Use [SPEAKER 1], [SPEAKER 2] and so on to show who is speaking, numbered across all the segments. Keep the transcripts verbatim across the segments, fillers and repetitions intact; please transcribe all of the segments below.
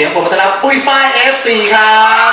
[SPEAKER 1] สียงผมต้อนรับปุ้ยฝ้าย เอฟ ซี ครับ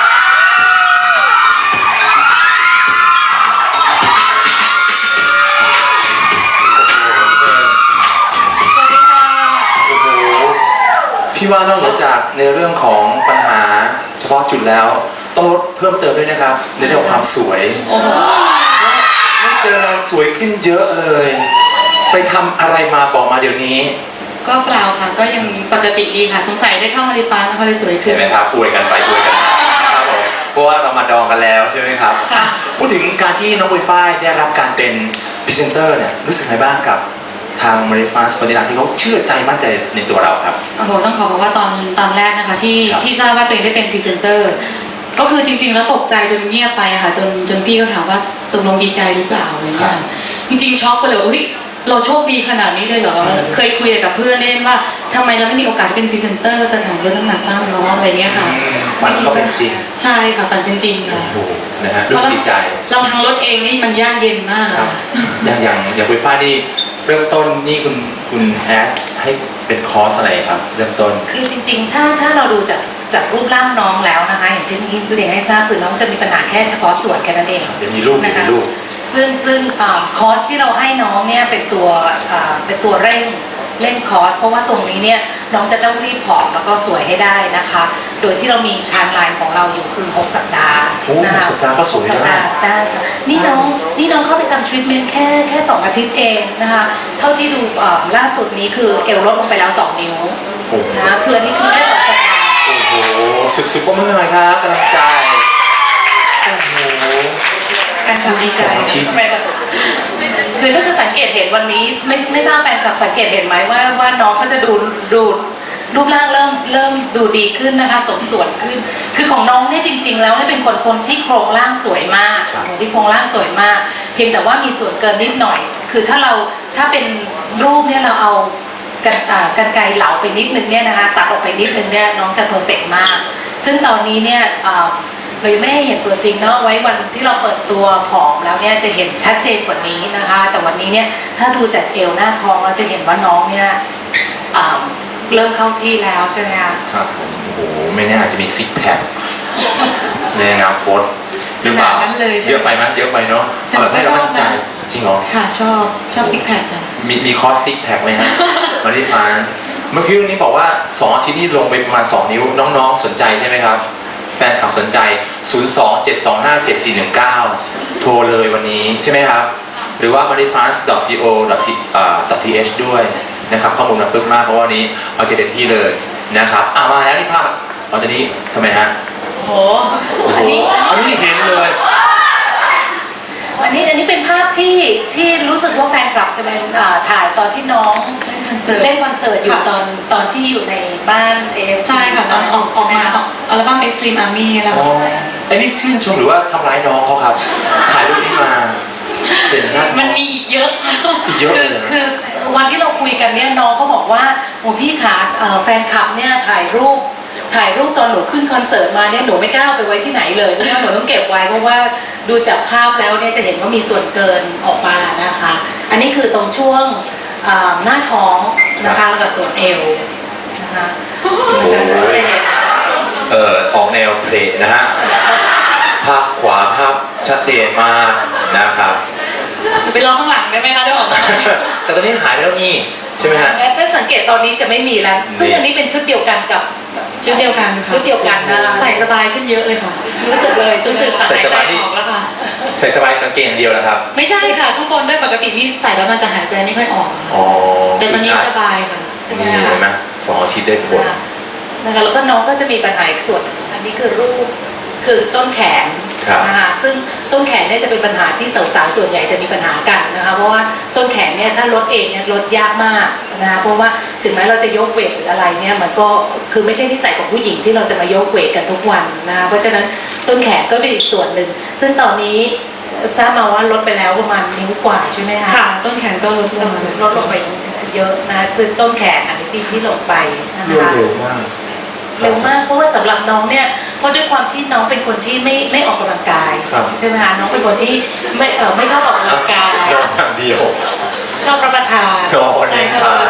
[SPEAKER 1] พี่ว่านอกเหนือจากในเรื่องของปัญหาเฉพาะจุดแล้วต้องลดเพิ่มเติมด้วยนะครับในเรื่องของความสวยไม่เจอเราสวยขึ้นเยอะเลยไปทำอะไรมาบอกมาเดี๋ยวนี้
[SPEAKER 2] ก็เปล่าค่ะก็ยังปกติดีค่ะสงสัยได้เข้ามาในฟ้าแล้วก็เลยสวยขึ้น
[SPEAKER 1] เห็นไหมครับอวยกันไปอวยกันมาครับผมเพราะว่าเรามาดองกันแล้วใช่ไหมครับพูดถึงการที่น้องปุ้ยฝ้ายได้รับการเป็นพรีเซนเตอร์เนี่ยรู้สึกไงบ้างกับทางมาริฟาสปฏิรัติที่เขาเชื่อใจมั่นใจในตัวเราครับ
[SPEAKER 2] โอ้โหต้องขอบอกว่าตอนตอนแรกนะคะที่ที่ทราบว่าตัวเองได้เป็นพรีเซนเตอร์ก็คือจริงๆแล้วตกใจจนเงียบไปค่ะจนจนพี่ก็ถามว่าตกลงดีใจหรือเปล่าอะไรเงี้ยจริงๆช็อกไปเลยเฮ้ยเราโชคดีขนาดนี้เลยเหรอเคยคุยกับเพื่อนเล่นว่าทำไมเราไม่มีโอกาสเป็นพรีเซนเตอร์สถานลดน้ำหนักบ้างเนาะอะไรเงี้ยค่ะ
[SPEAKER 1] ฝันก็เป็นจริง
[SPEAKER 2] ใช่ค่ะฝันเป็นจริงค่ะ
[SPEAKER 1] โอ้นะฮะรู้สึกดีใจ
[SPEAKER 2] เราทางรถเองนี่มันยากเย็นมาก
[SPEAKER 1] ครับอย่างอย่างอย่างปุ้ยฝ้ายนี่เริ่มต้นนี่คุณคุณแอดให้เป็นคอร์สอะไรครับเริ่มต้น
[SPEAKER 3] คือจริงๆถ้าถ้าเราดูจากจากรูปร่างน้องแล้วนะคะอย่างที่นี่เรียนให้ทราบคือน้องจะมีปัญหาแค่เฉพาะส่วนแค่นั้นเอง
[SPEAKER 1] เดี๋ยวมีรูปมีรูป
[SPEAKER 3] ซึ่งซึ่งคอร์สที่เราให้น้องเนี่ยเป็นตัวเป็นตัวเร่งเร่งคอร์สเพราะว่าตรงนี้เนี่ยน้องจะต้องรีบผอมแล้วก็สวยให้ได้นะคะโดยที่เรามีไทม์ไลน์ของเราอยู่คือหกสัปดาห์
[SPEAKER 1] นะคะหกสัปดาห์ก็สวยได้
[SPEAKER 3] ได้ค่ะนี่น้องนี่น้องเข้าไปทำทรีทเมนต์แค่แค่สองอาทิตย์เองนะคะเท่าที่ดูล่าสุดนี้คือเอวลดลงไปแล้วสองนิ้วนะคืออันนี้คือแค่สองสัปดาห์
[SPEAKER 1] โอ้โหสุดๆก็ไม่เป็นไรครับกำลังใจโอ้โห
[SPEAKER 3] การทำดีใจคือถ้าจะสังเกตเห็นวันนี้ไม่ไม่ทราบแฟนคลับสังเกตเห็นไหมว่าว่าน้องเขาจะดูดูรูปร่างเริ่มเริ่มดูดีขึ้นนะคะสมส่วนขึ้นคือของน้องเนี่ยจริงๆแล้วเนี่ยเป็นคนคนที่โครงร่างสวยมากที่โครงร่างสวยมากเพียงแต่ว่ามีส่วนเกินนิดหน่อยคือถ้าเราถ้าเป็นรูปเนี่ยเราเอากันกันไกรเหลาไปนิดนึงเนี่ยนะคะตัดออกไปนิดนึงเนี่ยน้องจะเพอร์เฟกต์มากซึ่งตอนนี้เนี่ยเลยไม่ให้เห็นตัวจริงเนาะไว้วันที่เราเปิดตัวผอมแล้วเนี่ยจะเห็นชัดเจนกว่านี้นะคะแต่วันนี้เนี่ยถ้าดูจากเอวหน้าท้องเราจะเห็นว่าน้องเนี่ยเริ่มเข้าที่แล้วใช่ไหมคะ
[SPEAKER 1] ครับผมโอ้โหไม่แน่อาจจะมีซิกแพคในอนาคตหรือเปล่าเยอะไปไหมเยอะไปเนาะเอาแบบให้เรามั่นใจจริงเหรอ
[SPEAKER 2] ค่ะชอบชอบซิกแพค
[SPEAKER 1] มีมีคอร์สซิกแพคไหมฮะมาริฟาเมื่อกี้นี้บอกว่าสองอาทิตย์นี้ลงไปประมาณสองนิ้วน้องๆสนใจใช่ไหมครับแฟนคลับสนใจ ศูนย์ สอง เจ็ด สอง ห้า เจ็ด สี่ หนึ่ง เก้า โทรเลยวันนี้ใช่ไหมครับหรือว่า มาริฟาส ดอท ซี โอ ดอท ที เอช ด้วยนะครับข้อมูลมันปึ๊กมากเพราะว่านี้เอาใจเต็มที่เลยนะครับอ่ามาแล้วนี่ภาพตอนนี้ทำไมฮะ
[SPEAKER 2] โอ้
[SPEAKER 3] อันนี้
[SPEAKER 1] อันนี้เห็นเลย
[SPEAKER 3] อันนี้อันนี้เป็นภาพที่ที่รู้สึกว่าแฟนคลับจะเป็นถ่ายตอนที่น้องเล่นคอนเสิร์ตอยู่ตอนตอนที่อยู่ในบ้านเอฟ
[SPEAKER 2] ใช่ค่ะตอนออกออกมาอัลบั้ม Extreme Army แล้ว
[SPEAKER 1] อันนี้ชื่นชมหรือว่าทำร้ายน้องเขาครับถ่ายรูปนี้มาเป็นหน้า
[SPEAKER 2] มันมีอีกเยอะ
[SPEAKER 1] อีกเยอะ
[SPEAKER 3] คือคือวันที่เราคุยกันเนี่ยน้องเขาบอกว่าโอ้พี่ขาแฟนคลับเนี่ยถ่ายรูปถ่ายรูปตอนหนูขึ้นคอนเสิร์ตมาเนี่ยหนูไม่กล้าไปไว้ที่ไหนเลยเพราะว่าหนูต้องเก็บไว้เพราะว่าดูจากภาพแล้วเนี่ยจะเห็นว่ามีส่วนเกินออกมานะคะอันนี้คือตรงช่วงหน้าท้องนะคะแล้วก็ส่วนเอวนะคะจะเห็น
[SPEAKER 1] เอ่อออกแนวเพลงนะฮะภาพขวาภาพชัดเจนมากนะครับ
[SPEAKER 2] ไปลองข้างหลังได้ไหมคะด้วยออก
[SPEAKER 1] แต่ตอนนี้หายไปแล้วนี่ใช่ไหมฮะ
[SPEAKER 3] ถ้าสังเกตตอนนี้จะไม่มีแล้วซึ่งอันนี้เป็นชุดเดียวกันกับ
[SPEAKER 2] ชุดเดียวกัน
[SPEAKER 3] ชุดเดียวกันนะ
[SPEAKER 2] ใส่สบายขึ้นเยอะเลยค่ะรู้สึกเลยรู้สึก
[SPEAKER 1] ใส่สบายออก
[SPEAKER 2] แล้วค่ะ
[SPEAKER 1] ใส่สบายกางเกงเดียวนะครับ
[SPEAKER 2] ไม่ใช่ค่ะข้างบนด้วยปกตินี่ใส่แล้วมันจะหายใจไม่ค่อยออกแต่ตอนนี้สบายค่ะ
[SPEAKER 1] ใช่ไหมคะสองอาทิตย์ได้ผล
[SPEAKER 3] นะคะแล้วก็น้องก็จะมีปัญหาอีกส่วนอันนี้คือรูปคือต้นแขนนะคะซึ่งต้นแขนเนี่ยจะเป็นปัญหาที่สาวๆส่วนใหญ่จะมีปัญหากันนะคะเพราะว่าต้นแขนเนี่ยถ้าลดเองเนี่ยลดยากมากนะคะเพราะว่าถึงแม้เราจะยกเวทหรืออะไรเนี่ยมันก็คือไม่ใช่นิสัยของผู้หญิงที่เราจะมายกเวทกันทุกวันนะคะเพราะฉะนั้นต้นแขนก็เป็นอีกส่วนหนึ่งซึ่งตอนนี้ทราบมาว่าลดไปแล้วประมาณนิ้วกว่าใช่ไหมคะ
[SPEAKER 2] ค่ะต้นแขนก็ลดลง
[SPEAKER 3] ลดลงไปเยอะนะคือต้นแขนอันนี้ที่ที่ลงไป
[SPEAKER 1] นะคะเร็วมาก
[SPEAKER 3] เร็วมากเพราะว่าสำหรับน้องเนี่ยเพราะด้วยความที่น้องเป็นคนที่ไม่ไม่ออกกำลังกายใช่ไหมคะน้องเป็นคนที่ไม่เออไม่ชอบออกกำลังกาย
[SPEAKER 1] นอนอย่างเดียว
[SPEAKER 3] ชอบรับประทาน
[SPEAKER 1] ใช่
[SPEAKER 3] ชอบรับประทาน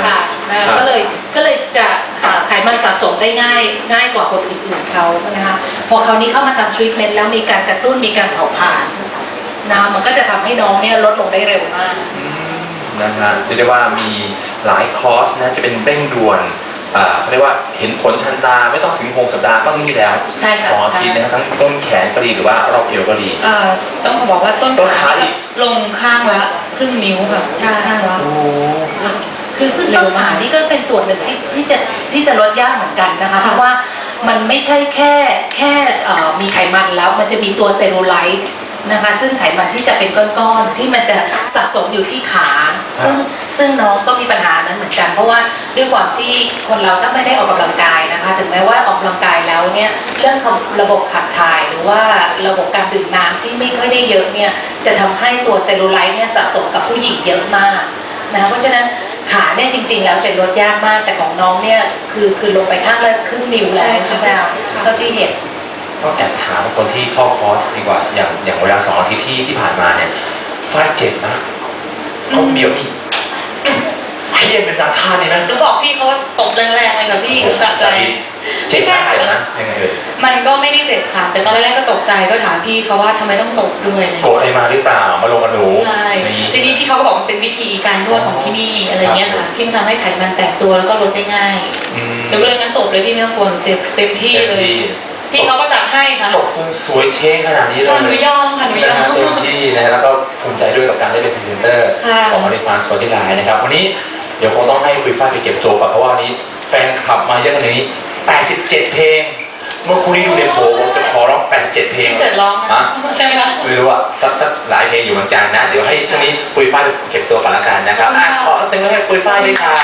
[SPEAKER 3] นะคะก็เลยก็เลยจะอ่าไขมันสะสมได้ง่ายง่ายกว่าคนอื่นๆเขานะคะพอคราวนี้เข้ามาทำทรีทเมนต์แล้วมีการกระตุ้นมีการเผาผลาญนะมันก็จะทำให้น้องเนี่ยลดลงได้เร็วมาก
[SPEAKER 1] นะฮะเรียกได้ว่ามีหลายคอร์สนะจะเป็นเร่งด่วนอ่าเขาเรียกว่าเห็นผลทันตาไม่ต้องถึงหกสัปดาห์ก็มีแล้ว
[SPEAKER 3] ใช่ค่ะ
[SPEAKER 1] สองอาทิตย์นะครับทั้งต้นแขนก็ดีหรือว่ารอบเอวก็ดี
[SPEAKER 2] เอ่อต้องขอบอกว่าต้น
[SPEAKER 1] ต้นขาอีก
[SPEAKER 2] ลงข้างละครึ่งนิ้วแบบ
[SPEAKER 3] ใช่
[SPEAKER 2] ข้างละ
[SPEAKER 1] โอ้
[SPEAKER 3] คือซึ่ง
[SPEAKER 2] เร็
[SPEAKER 3] ต้
[SPEAKER 2] วน มาก
[SPEAKER 3] ขานี่ก็เป็นส่วนหนึ่งที่ที่จะที่จะลดยากเหมือนกันนะคะ
[SPEAKER 2] ค่ะ
[SPEAKER 3] เพราะว่ามันไม่ใช่แค่แค่เอ่อมีไขมันแล้วมันจะมีตัวเซลลูไลท์นะคะซึ่งไขมันที่จะเป็นก้อนๆที่มันจะสะสมอยู่ที่ขา ซึ่งซึ่งน้องก็มีปัญหานั้นเหมือนกัน เพราะว่าด้วยความที่คนเราถ้าไม่ได้ออกกำลังกายนะคะ ถึงแม้ว่าออกกำลังกายแล้วเนี่ยเรื่องของระบบขับถ่ายหรือว่าระบบการดื่มน้ำที่ไม่ค่อยได้เยอะเนี่ยจะทำให้ตัวเซลลูไลท์เนี่ยสะสมกับผู้หญิงเยอะมากนะคะเพราะฉะนั้นขาเนี่ยจริงๆแล้วจะลดยากมากแต่ของน้องเนี่ยคือคือลงไปข้างละครึ่งนิ้วแล้วใช่ไหมคะเท่าที่เห็น
[SPEAKER 1] ก็แอบถามคนที่เข้าคอร์สดีกว่าอย่างอย่างเวลาสองอาทิตย์ที่ที่ผ่านมาเนี่ยฝ้ายเจ็บนะเขาเบียวอีกพี่เอ็นเป็นนาท่านี่ไหม
[SPEAKER 2] หนูบอกพี่เขาว่าตบแรงๆเลยค่ะพี่สะใจ
[SPEAKER 1] เจ็บ
[SPEAKER 2] ไม่ใช่
[SPEAKER 1] มาก
[SPEAKER 2] ค่ะ
[SPEAKER 1] เจ็บนะยังไงเอ่ย
[SPEAKER 2] มันก็ไม่ได้เจ็บค่ะ แต่ตอนแรกๆก็ตกใจก็ถามพี่เขาว่าทำไมต้องตบด้วยอะไรอย่าง
[SPEAKER 1] โกร
[SPEAKER 2] เงี้ย
[SPEAKER 1] ธใครมาหรือเปล่ามาลงกับหนู
[SPEAKER 2] ใช่
[SPEAKER 1] นี่
[SPEAKER 2] ทีนี้พี่เขาก็บอกมันเป็นวิธีการนวดของที่นี่อะไรเงี้ยค่ะที่มันทำให้ไขมันแตกตัวแล้วก็ลดได้ง่าย
[SPEAKER 1] อืม
[SPEAKER 2] หนูก็เลยงั้นตบเลยพี่ไม่ต้องกลัวหนูเจ็บเต็มที่
[SPEAKER 1] เต็ม
[SPEAKER 2] เลย
[SPEAKER 1] ที่
[SPEAKER 2] พี่เขาก็จัดให้ค่ะ
[SPEAKER 1] ตกจนสวยเท่งขนาดนี้เลย
[SPEAKER 2] ค่ะหนูยอมค่ะหนูย
[SPEAKER 1] นะ
[SPEAKER 2] อ
[SPEAKER 1] ฮะ
[SPEAKER 2] ม
[SPEAKER 1] เต็มที่นะฮะแล้วก็ภูมิใจด้วยกับการได้เป็นพรีเซนเตอร์
[SPEAKER 2] ค่ะ
[SPEAKER 1] ของมาริฟานสปอร์ตี้ไลน์นะครับวันนี้เดี๋ยวคงต้องให้คุยฝ้ายไปเก็บตัวก่อนเพราะว่าวันนี้แฟนคลับมาเยอะขนาดนี้แปดสิบเจ็ดเพลง เมื่อคุณนี้ดูในโผล่จะขอร้องแปดสิบเจ็ดเพลง
[SPEAKER 2] พี่เสร็จร้อง
[SPEAKER 1] อ่ะ
[SPEAKER 2] นะใช่ไหมคะ
[SPEAKER 1] ไม่รู้อะสักสักหลายเพลงอยู่เหมือนกันนะ เดี๋ยวให้ช่วงนี้ปุยฝ้ายไปเก็บตัวก่อนละกันนะครับอ่ะขอเสียงให้ปุยฝ้ายด้วยครับ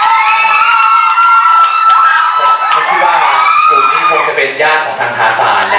[SPEAKER 1] ฉันคิดว่ากลุ่มนี้คงจะเป็นญาติของทางทาซานนะ